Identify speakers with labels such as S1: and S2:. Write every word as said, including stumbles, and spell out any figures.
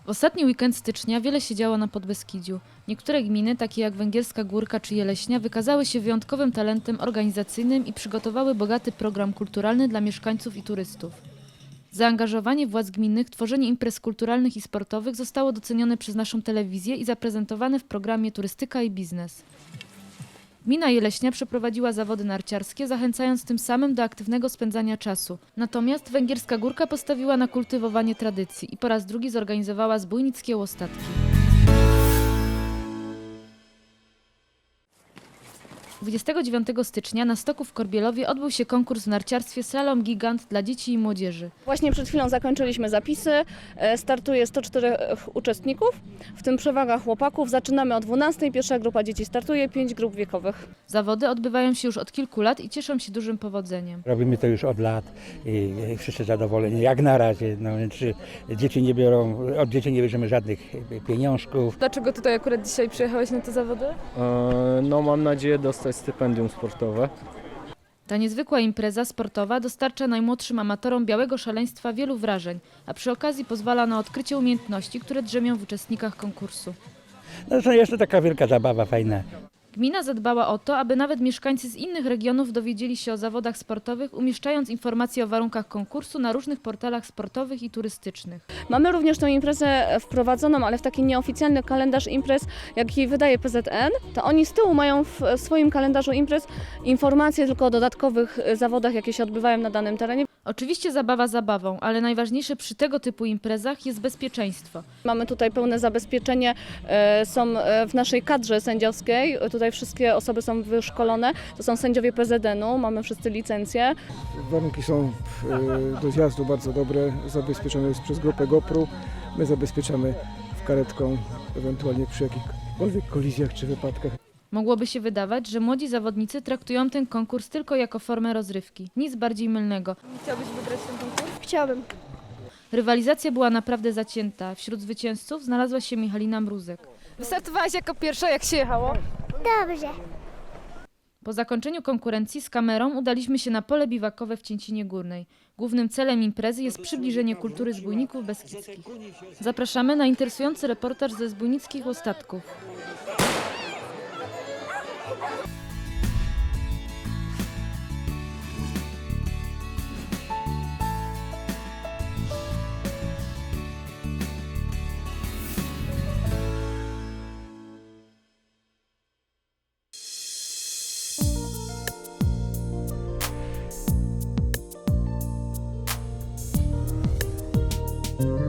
S1: W ostatni weekend stycznia wiele się działo na Podbeskidziu. Niektóre gminy, takie jak Węgierska Górka czy Jeleśnia, wykazały się wyjątkowym talentem organizacyjnym i przygotowały bogaty program kulturalny dla mieszkańców i turystów. Zaangażowanie władz gminnych w tworzenie imprez kulturalnych i sportowych zostało docenione przez naszą telewizję i zaprezentowane w programie Turystyka i Biznes. Gmina Jeleśnia przeprowadziła zawody narciarskie, zachęcając tym samym do aktywnego spędzania czasu. Natomiast Węgierska Górka postawiła na kultywowanie tradycji i po raz drugi zorganizowała zbójnickie łostatki. dwudziestego dziewiątego stycznia na stoku w Korbielowie odbył się konkurs w narciarstwie Slalom Gigant dla dzieci i młodzieży.
S2: Właśnie przed chwilą zakończyliśmy zapisy. E, Startuje sto cztery uczestników, w tym przewaga chłopaków. Zaczynamy o dwunastej. Pierwsza grupa dzieci startuje, pięć grup wiekowych.
S1: Zawody odbywają się już od kilku lat i cieszą się dużym powodzeniem.
S3: Robimy to już od lat i wszyscy zadowoleni, jak na razie. No, więc dzieci nie biorą, od dzieci nie bierzemy żadnych pieniążków.
S4: Dlaczego tutaj akurat dzisiaj przyjechałeś na te zawody?
S5: E, No mam nadzieję dostać stypendium sportowe.
S1: Ta niezwykła impreza sportowa dostarcza najmłodszym amatorom białego szaleństwa wielu wrażeń, a przy okazji pozwala na odkrycie umiejętności, które drzemią w uczestnikach konkursu.
S3: No to jest to taka wielka zabawa, fajna.
S1: Gmina zadbała o to, aby nawet mieszkańcy z innych regionów dowiedzieli się o zawodach sportowych, umieszczając informacje o warunkach konkursu na różnych portalach sportowych i turystycznych.
S2: Mamy również tę imprezę wprowadzoną, ale w taki nieoficjalny kalendarz imprez, jaki wydaje P Z N. To oni z tyłu mają w swoim kalendarzu imprez informacje tylko o dodatkowych zawodach, jakie się odbywają na danym terenie.
S1: Oczywiście zabawa zabawą, ale najważniejsze przy tego typu imprezach jest bezpieczeństwo.
S2: Mamy tutaj pełne zabezpieczenie, e, są e, w naszej kadrze sędziowskiej, tutaj wszystkie osoby są wyszkolone, to są sędziowie P Z N u, mamy wszyscy licencje.
S6: Warunki są e, do zjazdu bardzo dobre, zabezpieczone jest przez grupę GoPro. My zabezpieczamy w karetką, ewentualnie przy jakichkolwiek kolizjach czy wypadkach.
S1: Mogłoby się wydawać, że młodzi zawodnicy traktują ten konkurs tylko jako formę rozrywki. Nic bardziej mylnego.
S4: Chciałbyś wygrać ten konkurs?
S7: Chciałabym.
S1: Rywalizacja była naprawdę zacięta. Wśród zwycięzców znalazła się Michalina Mruzek.
S4: Wystartowałaś jako pierwsza, jak się jechało?
S7: Dobrze.
S1: Po zakończeniu konkurencji z kamerą udaliśmy się na pole biwakowe w Cięcinie Górnej. Głównym celem imprezy jest przybliżenie kultury zbójników beskidzkich. Zapraszamy na interesujący reportaż ze zbójnickich ostatków.
S7: Thank you.